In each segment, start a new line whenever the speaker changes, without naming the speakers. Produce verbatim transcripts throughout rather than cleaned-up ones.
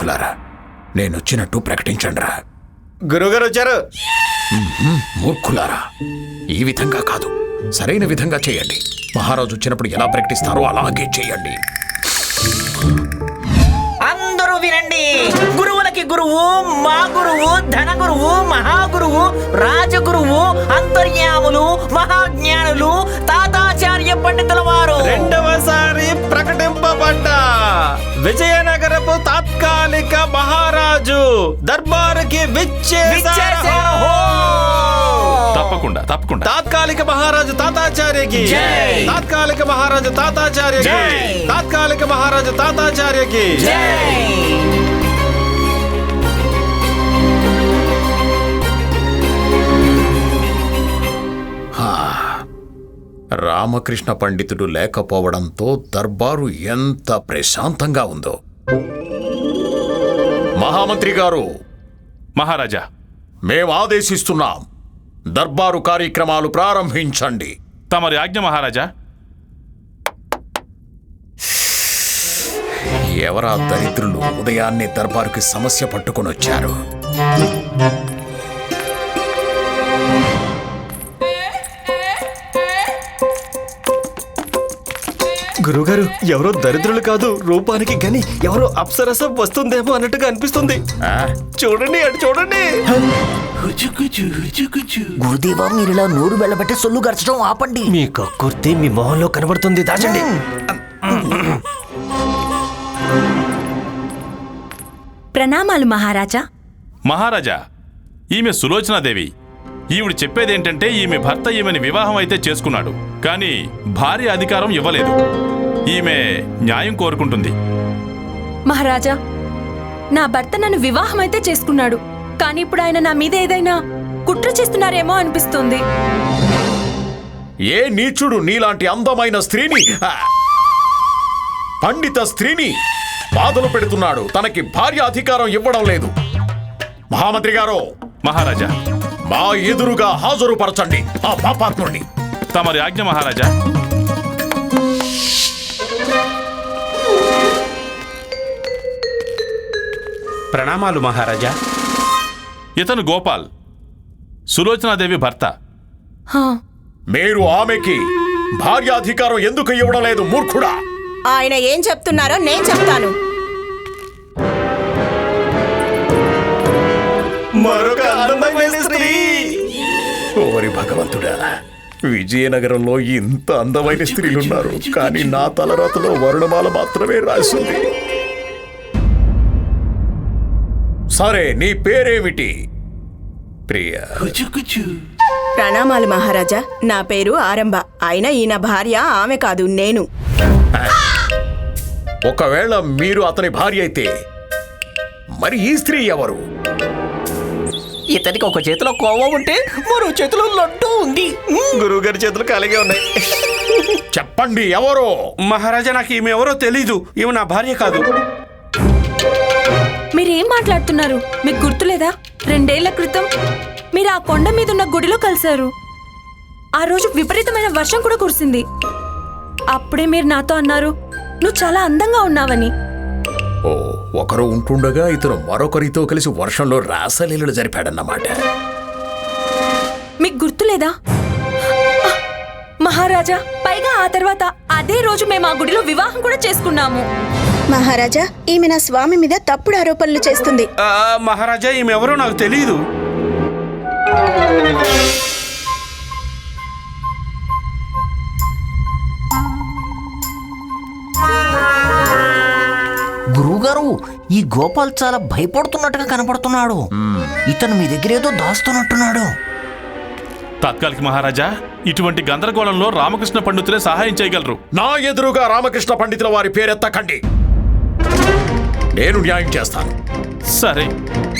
మూర్ఖులారా, నేనొచ్చినట్టు ప్రకటించండిరా.
గురువుగారు వచ్చారు.
మూర్ఖులారా, ఈ విధంగా కాదు, సరైన విధంగా చేయండి. మహారాజు వచ్చినప్పుడు ఎలా ప్రకటిస్తారో అలాగే చేయండి.
అందరూ వినండి. గురువులకి గురువు, మా గురువు, ధన గురువు, మహాగురువు, రాజగురువు, అంతర్యాములు, మహాజ్ఞానులు, తాతాచార్య పండితుల వారు
రెండవసారి ప్రకటింపబడ్డ విజయనగరపు తాత్కాలిక మహారాజు దర్బారుకి విచ్చేశారు.
తప్పకుండా తప్పకుండా.
తాత్కాలిక మహారాజు తాతాచార్యకి, తాత్కాలిక మహారాజు తాతాచార్యకి, తాత్కాలిక మహారాజు తాతాచార్యకి.
రామకృష్ణ పండితుడు లేకపోవడంతో దర్బారు ఎంత ప్రశాంతంగా ఉందో. మహామంత్రి గారు,
మహారాజా,
మేం ఆదేశిస్తున్నాం, దర్బారు కార్యక్రమాలు ప్రారంభించండి.
తమరి ఆజ్ఞ మహారాజా.
ఎవరా దరిద్రులు ఉదయాన్నే దర్బారుకి సమస్య పట్టుకొని వచ్చారు?
గురుగారు, ఎవరో దరిద్రులు కాదు, రూపానికి గని ఎవరో అప్సరసం వస్తుందేమో అన్నట్టుగా అనిపిస్తుంది. చూడండి, అటు చూడండి.
గురుదేవా, మీరు ఇలా నోరు వెళ్ళబట్టే సొల్లు గరచడం ఆపండి.
మీ కక్కుర్తి మీ మొహంలో కనబడుతుంది, దాచండి.
ప్రణామాలు మహారాజా.
మహారాజా, ఈమె సులోచనాదేవి. ఈవిడ చెప్పేదేంటంటే ఈమె భర్త ఈమెని వివాహం అయితే చేసుకున్నాడు, కానీ భార్య అధికారం ఇవ్వలేదు. ఈమె న్యాయం కోరుకుంటుంది.
మహారాజా, నా భర్త నన్ను వివాహం అయితే చేసుకున్నాడు, కానీ ఇప్పుడు ఆయన నా మీద ఏదైనా కుట్ర చేస్తున్నారేమో అనిపిస్తుంది.
ఏ నీచుడు నీలాంటి అందమైన స్త్రీని, పండిత స్త్రీని బాధలు పెడుతున్నాడు? తనకి భార్య అధికారం ఇవ్వడం లేదు. మహామంత్రి గారు,
మహారాజా,
మా ఎదురుగా హాజరుపరచండి ఆ పాపాత్ముడిని.
తమరి ఆజ్ఞ మహారాజా.
ప్రణామాలు మహారాజా.
ఇతను గోపాల్, సులోచనాదేవి భర్త.
హా,
మీరు ఆమెకి భార్యాధికారం ఎందుకు ఇవ్వడం లేదు మూర్ఖుడా?
ఆయన ఏం చెప్తున్నారో నేను చెప్తాను.
మరొక అందమైన స్త్రీ.
ఓరి భగవంతుడా, విజయనగరంలో ఇంత అందమైన స్త్రీలున్నారు, కానీ నా తలరాతలో వరుణమాల మాత్రమే రాసింది. సరే, నీ పేరేమిటి? ప్రియా.
ప్రణామాలు మహారాజా, నా పేరు ఆరంభ. అయినా ఈయన భార్య ఆమె కాదు, నేను.
ఒకవేళ మీరు అతని భార్య అయితే మరి ఈ స్త్రీ ఎవరు?
ఇతనికి ఒక చేతిలో కోవ ఉంటే మరో చేతిలో లడ్డు ఉంది.
గురువు గారి చేతులు ఖాళీగా ఉన్నాయి.
చెప్పండి, ఎవరో?
మహారాజా, నాకు ఈమె ఎవరో తెలీదు. ఈమె నా భార్య కాదు.
మీరేం మాట్లాడుతున్నారు? మీకు గుర్తులేదా? రెండేళ్ల క్రితం మీరు ఆ కొండ మీద ఉన్న గుడిలో కలిశారు. ఆ రోజు విపరీతమైన వర్షం కూడా కురిసింది. అప్పుడే మీరు నాతో అన్నారు, నువ్వు చాలా అందంగా ఉన్నావని.
ఓ, ఒకరు ఉంటుండగా ఇతను మరొకరితో కలిసి వర్షంలో రాసలీలలు జరిపాడన్నమాట.
మీకు గుర్తులేదా? మహారాజా, పైగా ఆ తర్వాత అదే రోజు మేము ఆ గుడిలో వివాహం కూడా చేసుకున్నాము.
మహారాజా, ఈమె నా స్వామి మీద తప్పుడు ఆరోపణలు చేస్తుంది.
మహారాజా, ఈమె ఎవరో నాకు తెలియదు.
గురువుగారు, ఈ గోపాల్ చాలా భయపడుతున్నట్టుగా కనపడుతున్నాడు. ఇతను మీ దగ్గర ఏదో దాస్తున్నట్టున్నాడు.
తాత్కాలిక మహారాజా, ఇటువంటి గందరగోళంలో రామకృష్ణ పండితులే సహాయం చేయగలరు.
నా ఎదురుగా రామకృష్ణ పండితుల వారి పేరెత్తకండి. నేను న్యాయం చేస్తాను.
సరే.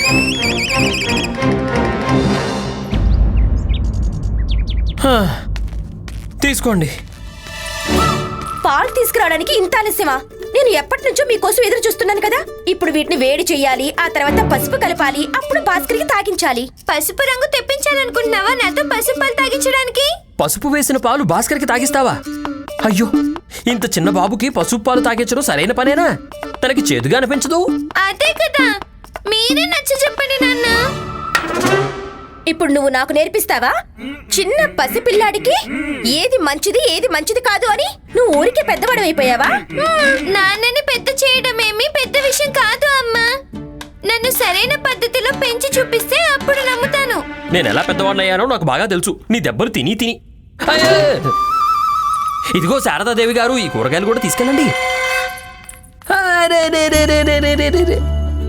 తీసుకోండి.
పాలు తీసుకురావడానికి ఇంత ఆలస్యమా? నేను ఎప్పటి నుంచో మీకోసం ఎదురు చూస్తున్నాను కదా. ఇప్పుడు వీటిని వేడి చేయాలి, ఆ తర్వాత పసుపు కలపాలి, అప్పుడు భాస్కర్కి తాగించాలి. పసుపు రంగు తెప్పించాలనుకుంటున్నావా నాతో పసుపు పాలు తాగించడానికి?
పసుపు వేసిన పాలు భాస్కర్కి తాగిస్తావా? అయ్యో, ఇంత చిన్న బాబుకి పసుపు పాలు తాగించడం సరైన పనేనా? తనకి చేదుగా అనిపించదు?
అదే కదా, మీరే నచ్చ చెప్పండి నాన్న. ఇప్పుడు నువ్వు నాకు నేర్పిస్తావా? చిన్న పసిపిల్లాడికి ఏది మంచిది ఏది మంచిది కాదు అని నువ్వు ఊరికే పెద్దవాడమైపోయావా? నాన్నని పెద్ద చేయడం ఏమీ పెద్ద విషయం కాదు అమ్మా. నన్ను సరైన పద్ధతిలో పెంచి చూపిస్తే అప్పుడు నమ్ముతాను.
నేను ఎలా పెద్దవాడినయ్యానో నాకు బాగా తెలుసు, నీ దెబ్బలు తిని తిని. అయ్యో! ఇదిగో శారదాదేవి గారు, ఈ కూరగాయలు కూడా తీసుకెళ్ళండి. అరే రే రే రే రే రే రే రే రే.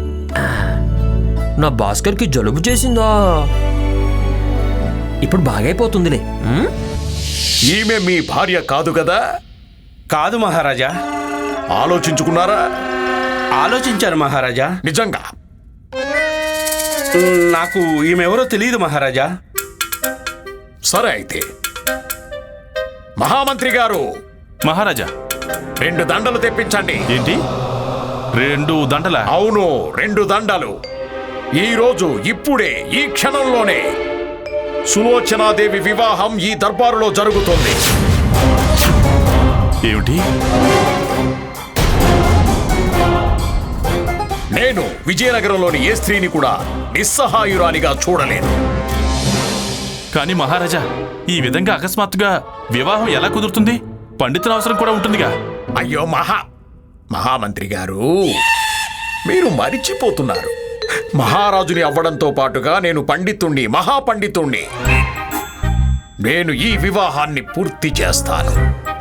నా భాస్కర్కి జలుబు చేసిందా? ఇప్పుడు బాగైపోతుందిలే. ఉమ్?
ఈమె మీ భార్య కాదు కదా?
కాదు మహారాజా.
ఆలోచించుకున్నారా?
ఆలోచించాను మహారాజా.
నిజంగా?
నాకు ఈమెవరో తెలియదు మహారాజా.
సరే అయితే, మహామంత్రి గారు,
మహారాజా,
రెండు దండలు తెప్పించండి.
ఏంటి రెండు దండల?
అవును, రెండు దండలు. ఈ రోజు ఇప్పుడే ఈ క్షణంలోనే సులోచనాదేవి వివాహం ఈ దర్బారులో జరుగుతుంది.
ఏమిటి?
నేను విజయనగరంలోని ఏ స్త్రీని కూడా నిస్సహాయురాలిగా చూడలేను.
కానీ మహారాజా, ఈ విధంగా అకస్మాత్తుగా వివాహం ఎలా కుదురుతుంది? పండితుల అవసరం కూడా ఉంటుందిగా.
అయ్యో మహా మహామంత్రి గారు, మీరు మరిచిపోతున్నారు. మహారాజుని అవ్వడంతో పాటుగా నేను పండితుణ్ణి, మహాపండితుణ్ణి. నేను ఈ వివాహాన్ని పూర్తి చేస్తాను.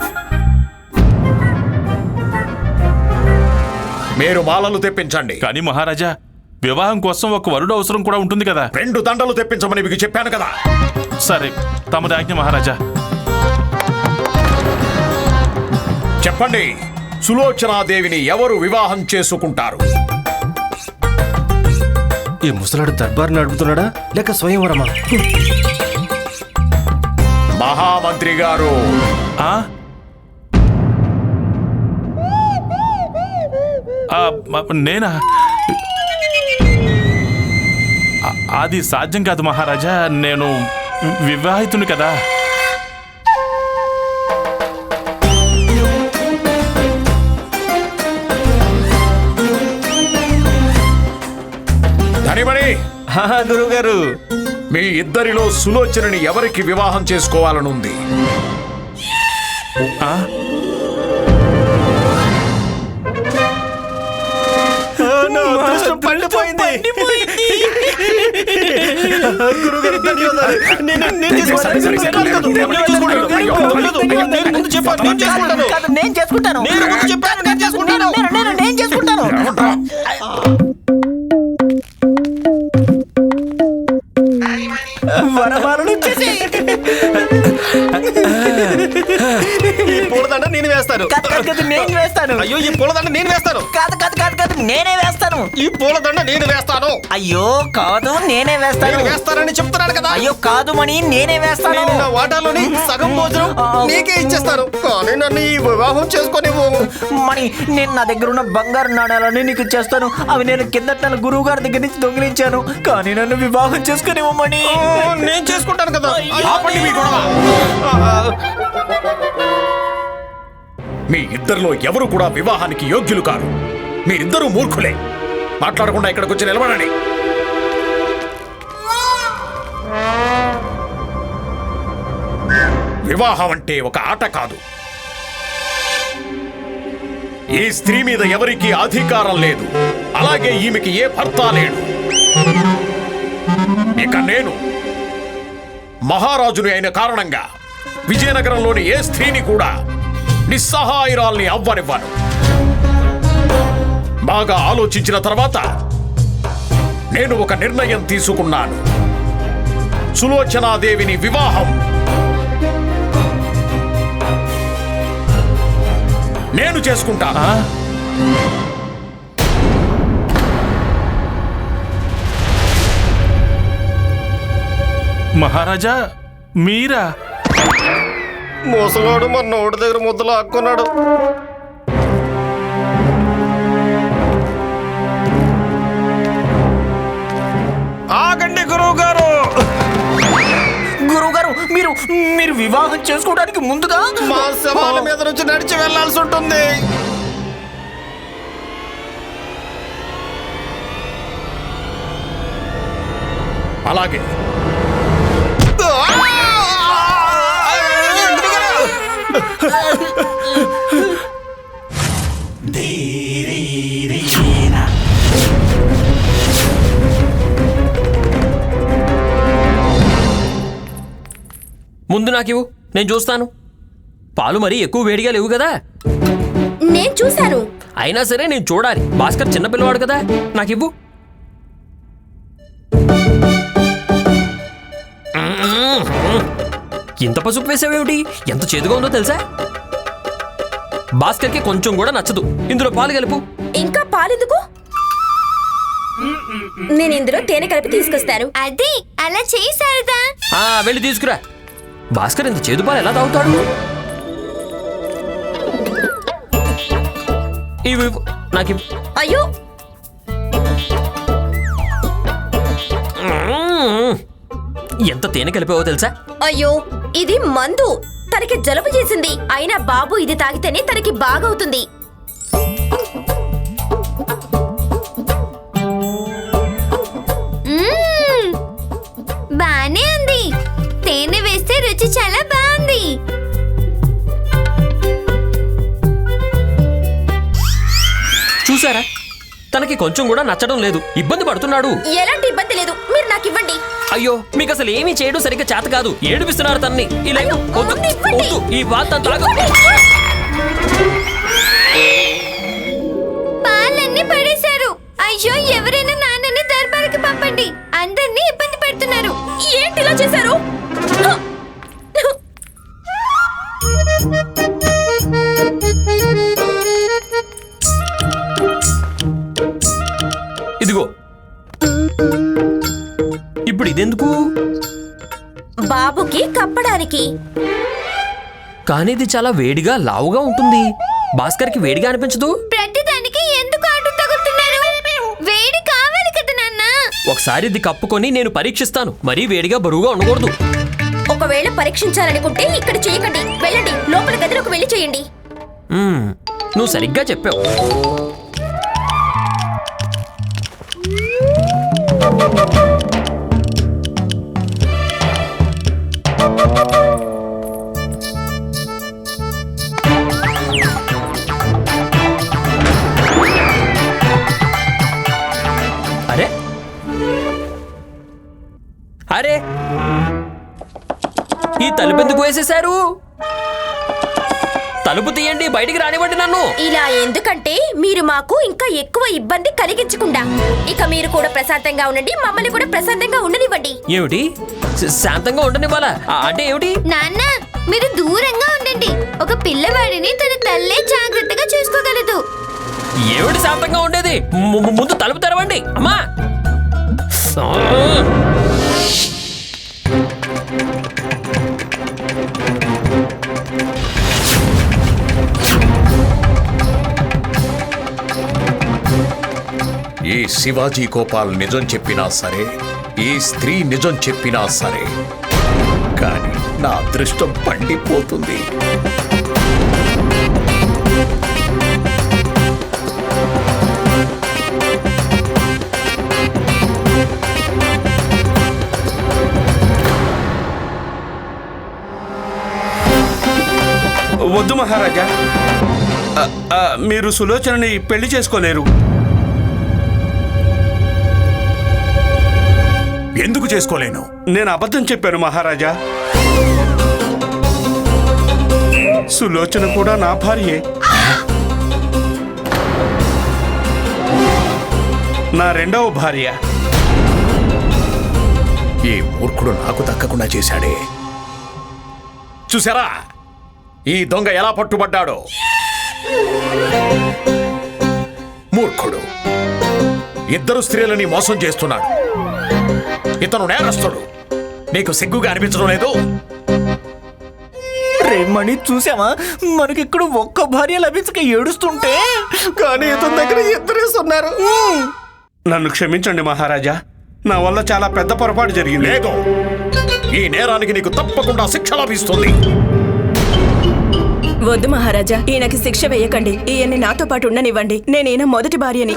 మీరు మాలలు తెప్పించండి.
కానీ మహారాజా, వివాహం కోసం ఒక వరుడు అవసరం కూడా ఉంటుంది కదా.
రెండు దండలు తెప్పించమని మీకు చెప్పాను కదా.
సరే, తమరి ఆజ్ఞ మహారాజా.
చెప్పండి, సులోచనాదేవిని ఎవరు వివాహం చేసుకుంటారు?
ఈ ముసలాడు దర్బార్ నడుపుతున్నాడా లేక స్వయంవరమా?
మహామంత్రి గారు,
ఆ? ఆ, మ- నేనా? అ- అది సాధ్యం కాదు మహారాజా, నేను వివాహితుని కదా.
ధనిమణి,
గురువు గారు,
మీ ఇద్దరిలో సులోచనని ఎవరికి వివాహం చేసుకోవాలనుంది?
ఆ?
పండిపోయింది. గురువుగారు, ధన్యవాదాలు. నేను- నేను చేసుకుంటాను.
సరే, సరే, సరే.
నేను చేసుకుంటాను. నేను ముందు చెప్పాను, నేను చేసుకుంటాను.
కాదు, నేను చేసుకుంటాను.
నేను ముందు చెప్పాను, నేను చేసుకుంటాను.
నేను- నేను నేను చేసుకుంటాను.
వరమాలను చేసి ఈ పూలదండ నేను వేస్తాను.
కాదు, కాదు, కాదు, నేను వేస్తాను.
అయ్యో, ఈ పూలదండ నేను వేస్తాను.
కాదు కాదు కాదు కాదు నేనే వేస్తాను.
ఈ పూలదండ నేను వేస్తాను.
అయ్యో కాదు, నేనే వేస్తాను.
నేను వేస్తానని చెప్తున్నాను కదా.
అయ్యో కాదు మణి, నేనే వేస్తాను.
నేను నా వాటాలోని సగం భోజనం నీకే ఇచ్చేస్తాను. కానీ నన్ను ఈ వివాహం చేసుకునేవు.
మణి, నేను నా దగ్గర ఉన్న బంగారు నాణ్యాలని నీకు ఇచ్చేస్తాను. అవి నేను కిందట నెల గురువు గారి దగ్గర నుంచి దొంగిలించాను. కానీ నన్ను వివాహం చేసుకునేవమ్మని.
నేను చేసుకుంటాను కదా.
ఆపండి మీ గొడవ. మీ ఇద్దరిలో ఎవరు కూడా వివాహానికి యోగ్యులు కారు. మీరిద్దరూ మూర్ఖులే. మాట్లాడకుండా ఇక్కడికి వచ్చి నిలబడండి. వివాహం అంటే ఒక ఆట కాదు. ఈ స్త్రీ మీద ఎవరికీ అధికారం లేదు. అలాగే ఈమెకి ఏ భర్త లేడు. ఇక నేను మహారాజుని అయిన కారణంగా విజయనగరంలోని ఏ స్త్రీని కూడా నిస్సహాయురాల్ని అవ్వనివ్వను. బాగా ఆలోచించిన తర్వాత నేను ఒక నిర్ణయం తీసుకున్నాను. సులోచనాదేవిని వివాహం నేను చేసుకుంటాను.
ఆ? మహారాజా, మీరా?
మోసగాడు మన నోటి దగ్గర ముద్దలు ఆక్కున్నాడు. ఆగండి గురువు గారు.
గురువు గారు, మీరు మీరు వివాహం చేసుకోవడానికి ముందుగా
మా శవాల మీద నుంచి నడిచి వెళ్లాల్సి ఉంటుంది.
అలాగే
ముందు నాకివ్వు, నేను చూస్తాను. పాలు మరీ ఎక్కువ వేడిగా లేవు కదా.
నేను చూశాను.
అయినా సరే నేను చూడాలి. భాస్కర్ చిన్నపిల్లవాడు కదా, నాకివ్వు. ఇంత పసుపు వేసావేమిటి? ఎంత చేదుగా ఉందో తెలుసా? భాస్కర్కి కొంచెం కూడా నచ్చదు. ఇందులో పాలు కలుపు.
ఇంకా పాలెందుకు? నేను ఇందులో తేనె కలిపి తీసుకొస్తాను. అది అలా చేశారుదా?
ఆ, వెళ్ళి తీసుకురా. భాస్కర్ ఇంత చేదు పాలు ఎలా తాగుతాడు? ఇవి ఇవ్వు. నాకు ఇవ్వు.
అయ్యో,
మ్మ్. ఎంత తేనె కలిపావో తెలుసా?
అయ్యో, ఇది మందు. తనకి జలుబు చేసింది. అయినా బాబు ఇది తాగితేనే తనకి బాగవుతుంది. మ్మ్, బానే ఉంది. తేనె వేస్తే రుచి చాలా బాగుంది.
చూసారా, తనకి కొంచెం కూడా నచ్చడం లేదు. ఇబ్బంది పడుతున్నాడు.
ఎలాంటి ఇబ్బంది లేదు. మీరు నాకు ఇవ్వండి.
అయ్యో, మీకు అసలు ఏమీ చేయడం సరిగ్గా చేత కాదు. ఏడిపిస్తున్నారు తన్ని. ఇలా
అయ్యో,
వద్దు,
ముందు ఇవ్వండి.
వద్దు. ఈ బాత్ అంతా తాగు.
పాలన్నీ పడేశారు. అయ్యో, ఎవరైనా నాన్నని దర్బారుకి పంపండి. అందరినీ ఇబ్బంది పెడుతున్నారు. ఏంటి ఇలా చేశారు?
ఇదిగో, ఇప్పుడు ఇదెందుకు?
బాబుకి కప్పడానికి.
కానీ ఇది చాలా వేడిగా లావుగా ఉంటుంది. భాస్కర్కి వేడిగా అనిపించదు?
ప్రతిదానికి ఎందుకు అడ్డు తగులుతున్నారు? వేడి కావాలి కదా నాన్న.
ఒకసారి ఇది కప్పుకొని నేను పరీక్షిస్తాను. మరీ వేడిగా బరువుగా ఉండకూడదు.
ఒకవేళ పరీక్షించాలనుకుంటే ఇక్కడ చేయకండి. వెళ్ళండి, లోపల గదిలోకి వెళ్ళి చేయండి.
మ్మ్, నువ్వు సరిగ్గా చెప్పావు. అరే అరే, ఈ తలుపు ఎందుకు వేసేశారు? తలుపు తీయండి, బయటికి రానివ్వండి నన్ను.
ఇలా ఎందుకంటే మీరు మాకు ఇంకా ఎక్కువ ఇబ్బంది కలిగించకుండా. ఇక మీరు కూడా ప్రశాంతంగా ఉండండి, మమ్మల్ని కూడా ప్రశాంతంగా ఉండనివ్వండి.
ఏమిటి? శ- శాంతంగా ఉండనివ్వాలా? ఆ, అంటే ఏమిటి?
నాన్న, మీరు దూరంగా ఉండండి. ఒక పిల్లవాడిని తన తల్లే జాగ్రత్తగా చూసుకోగలదు.
ఏమిటి శాంతంగా ఉండేది? ము- ము- ముందు తలుపు తెరవండి అమ్మా. ఆ!
ఈ శివాజీ గోపాల్ నిజం చెప్పినా సరే, ఈ స్త్రీ నిజం చెప్పినా సరే, కానీ నా అదృష్టం పండిపోతుంది.
వద్దు మహారాజా, ఆ, ఆ, మీరు సులోచనని పెళ్లి చేసుకోలేరు.
ఎందుకు చేసుకోలేను?
నేను అబద్ధం చెప్పాను మహారాజా. సులోచన కూడా నా భార్యే. నా రెండవ భార్య.
ఈ మూర్ఖుడు నాకు దక్కకుండా చేశాడే. చూసారా ఈ దొంగ ఎలా పట్టుబడ్డాడో? మూర్ఖుడు ఇద్దరు స్త్రీలని మోసం చేస్తున్నాడు. ఇతను నేరస్తుడు. నీకు సిగ్గుగా అనిపించడం లేదు?
రేమణి, చూసావా, మనకిక్కడ ఒక్క భార్య లభించక ఏడుస్తుంటే, కానీ ఇతని దగ్గర ఇద్దరేసి ఉన్నారు.
నన్ను క్షమించండి మహారాజా, నా వల్ల చాలా పెద్ద పొరపాటు జరిగింది.
లేదు, ఈ నేరానికి నీకు తప్పకుండా శిక్ష లభిస్తుంది.
వద్దు మహారాజా, ఈయనకి శిక్ష వేయకండి. ఈయన్ని నాతో పాటు ఉండనివ్వండి. నేను ఈయన మొదటి భార్యని.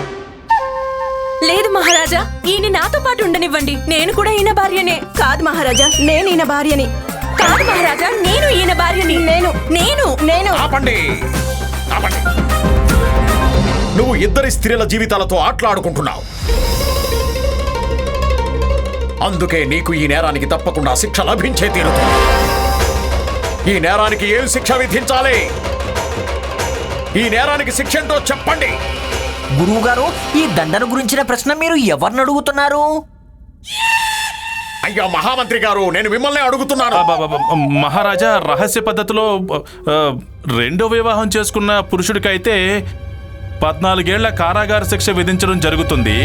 లేదు మహారాజా, ఈయన నాతో పాటు ఉండనివ్వండి. నేను కూడా ఈయన భార్యనే.
కాదు మహారాజా, నేను ఈయన భార్యని.
కాదు మహారాజా, నేను ఈయన భార్యని.
నేను
నేను
నేను
ఆపండి ఆపండి నువ్వు ఇద్దరి స్త్రీల జీవితాలతో ఆటలాడుకుంటున్నావు. అందుకే నీకు ఈ నేరానికి తప్పకుండా శిక్ష లభించే తీరుతుంది. ఈ నేరానికి ఏం శిక్ష విధించాలి? ఈ నేరానికి శిక్ష ఏంటో చెప్పండి.
గురువు గారు, ఈ దండన గురించిన ప్రశ్న మీరు ఎవరిని అడుగుతున్నారు?
అయ్యా మహామంత్రి గారు, నేను మిమ్మల్ని అడుగుతున్నాను.
అబ్బబ్బబ్బ, మహారాజా, రహస్య పద్ధతిలో ఆ, రెండో వివాహం చేసుకున్న పురుషుడికైతే పద్నాలుగేళ్ల కారాగార శిక్ష విధించడం జరుగుతుంది.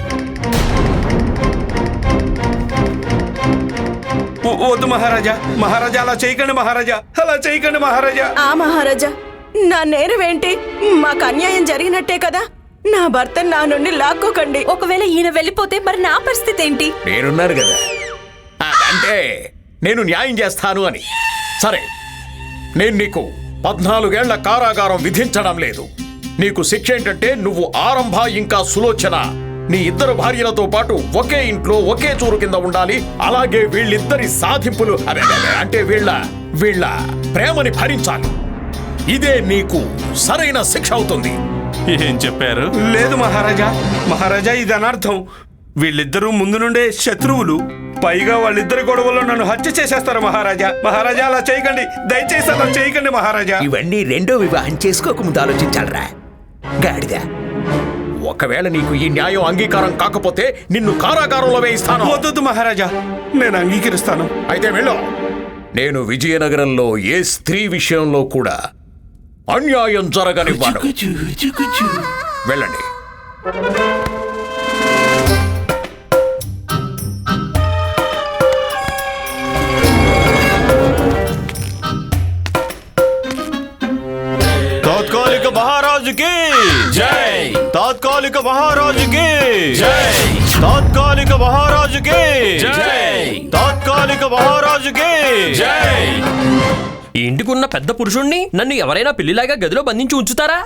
వ- వద్దు మహారాజా, మహారాజా అలా చేయకండి మహారాజా, అలా చేయకండి మహారాజా.
ఆ మహారాజా, నా నేరమేంటి? మాకు అన్యాయం జరిగినట్టే కదా. నా భర్త నా నుండి లాక్కోకండి.
ఒకవేళ ఈయన వెళ్ళిపోతే మరి నా పరిస్థితి ఏంటి?
నేనున్నాను కదా. ఆ, అంటే నేను న్యాయం చేస్తాను అని. సరే, నేను నీకు పద్నాలుగేళ్ల కారాగారం విధించడం లేదు. నీకు శిక్ష ఏంటంటే నువ్వు ఆరంభ ఇంకా సులోచన నీ ఇద్దరు భార్యలతో పాటు ఒకే ఇంట్లో ఒకే చూరు కింద ఉండాలి. అలాగే వీళ్ళిద్దరి సాధింపులు అదే, అదే, అంటే వీళ్ళ వీళ్ళ ప్రేమని భరించాలి. ఇదే నీకు సరైన శిక్ష అవుతుంది.
ఏం చెప్పారు?
లేదు మహారాజా, మహారాజా ఇది అనర్థం. వీళ్ళిద్దరూ ముందు నుండే శత్రువులు. పైగా వాళ్ళిద్దరి గొడవల్లో నన్ను హత్య చేసేస్తారు మహారాజా. మహారాజా అలా చేయకండి, దయచేసి అలా చేయకండి మహారాజా.
ఇవన్నీ రెండో వివాహం చేసుకోకముందు ఆలోచించాలరా గాడిద. ఒకవేళ నీకు ఈ న్యాయం అంగీకారం కాకపోతే నిన్ను కారాగారంలో వేయిస్తాను.
వద్దు మహారాజా, నేను అంగీకరిస్తాను.
అయితే వెళ్ళు. నేను విజయనగరంలో ఏ స్త్రీ విషయంలో కూడా అన్యాయం జరగనివ్వను. వెళ్ళండి.
తాత్కాలిక మహారాజుకి
జై!
తాత్కాలిక మహారాజుకి
జై!
తాత్కాలిక మహారాజుకి
జై!
తాత్కాలిక మహారాజుకి
జై!
ఈ ఇంటికున్న పెద్ద పురుషుణ్ణి నన్ను ఎవరైనా పెళ్లిలాగా గదిలో బంధించి ఉంచుతారా?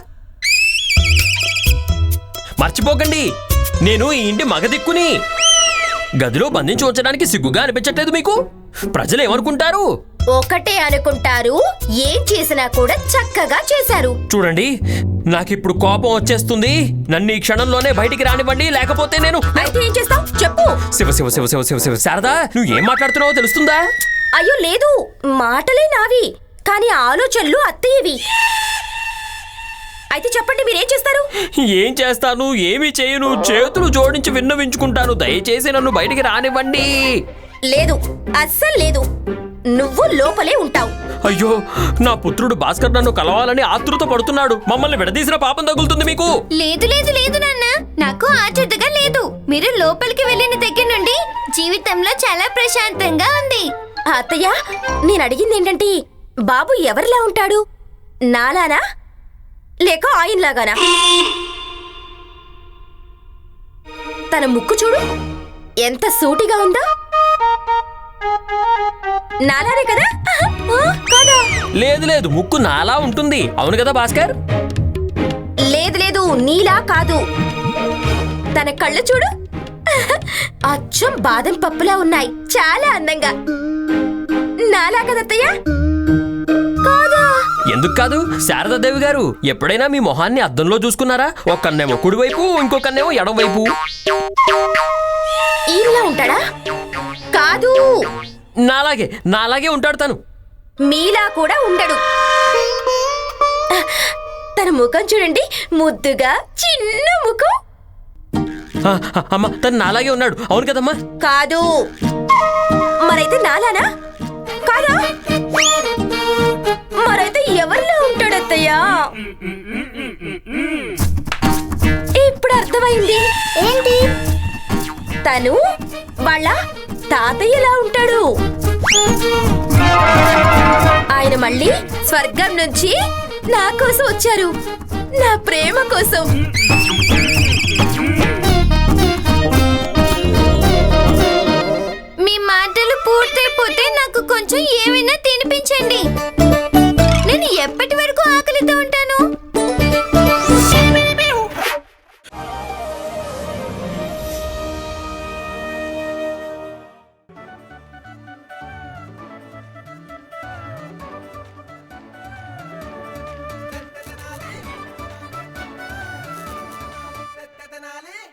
మర్చిపోకండి, నేను ఈ ఇంటి మగదిక్కుని. గదిలో బంధించి ఉంచడానికి సిగ్గుగా అనిపించట్లేదు మీకు? ప్రజలు ఏమనుకుంటారు?
ఒకటే అనుకుంటారు, ఏం చేసినా కూడా చక్కగా చేశారు.
చూడండి, నాకిప్పుడు కోపం వచ్చేస్తుంది. నన్ను ఈ క్షణంలోనే బయటికి రానివ్వండి, లేకపోతే నేను
అయితే ఏం చేస్తావు చెప్పు.
శివ శివ శివ శివ శివ శివ శారదా, నువ్వు ఏం మాట్లాడుతున్నావో తెలుస్తుందా?
అయ్యో లేదు, మాటలే నావి, కానీ ఆలోచనలు అత్తయ్యవి. అయితే చెప్పండి, మీరేం చేస్తారు?
ఏం చేస్తాను, ఏమీ చేయను, చేతులు జోడించి విన్నవించుకుంటాను. దయచేసి నన్ను బయటికి రానివ్వండి.
లేదు, అస్సలు లేదు. నువ్వు లోపలే ఉంటావు.
అయ్యో, నా పుత్రుడు భాస్కర్ నన్ను కలవాలని ఆతృత పడుతున్నాడు. మమ్మల్ని విడదీసిన పాపం తగులుతుంది మీకు.
లేదు లేదు లేదు నాన్న, నాకు ఆచర్యగా లేదు. మీరు లోపలికి వెళ్ళిన దగ్గర నుండి జీవితంలో చాలా ప్రశాంతంగా ఉంది. అత్తయ్య, నేను అడిగింది ఏంటంటే, బాబు ఎవరిలా ఉంటాడు? నాలానా లేక ఆయనలాగానా? తన ముక్కు చూడు, ఎంత సూటిగా ఉందో. నాలానే కదా? ఆ, కాదా?
లేదు లేదు, ముక్కు నాలా ఉంటుంది. అవును కదా భాస్కర్?
లేదు లేదు, నీలా కాదు. తన కళ్ళు చూడు, అచ్చం బాదం పప్పులా ఉన్నాయి. చాలా అందంగా. నాలా కదత్తయ్య? కాదా?
ఎందుకు కాదు శారదాదేవి గారు, ఎప్పుడైనా మీ మొహాన్ని అద్దంలో చూసుకున్నారా? ఒక్కన్నేమో కుడివైపు, ఇంకొకన్నేమో ఎడమవైపు.
ఈయనలా ఉంటాడా? కాదు,
నాలాగే నాలాగే ఉంటాడు తను.
మీలా కూడా ఉండడు. తన ముఖం చూడండి, ముద్దుగా చిన్న ముఖం.
ఆ, ఆ, అమ్మ, తను నాలాగే ఉన్నాడు. అవును కదమ్మా?
కాదు. మరైతే నాలానా? కాదా? మరైతే ఎవరిలో ఉంటాడత్తయ్యా? ఇప్పుడు అర్థమైంది. ఏంటి? తను వాళ్ళ తాతయ్యలా ఉంటాడు. ఆయన మళ్ళీ స్వర్గం నుంచి నా కోసం వచ్చారు, నా ప్రేమ కోసం.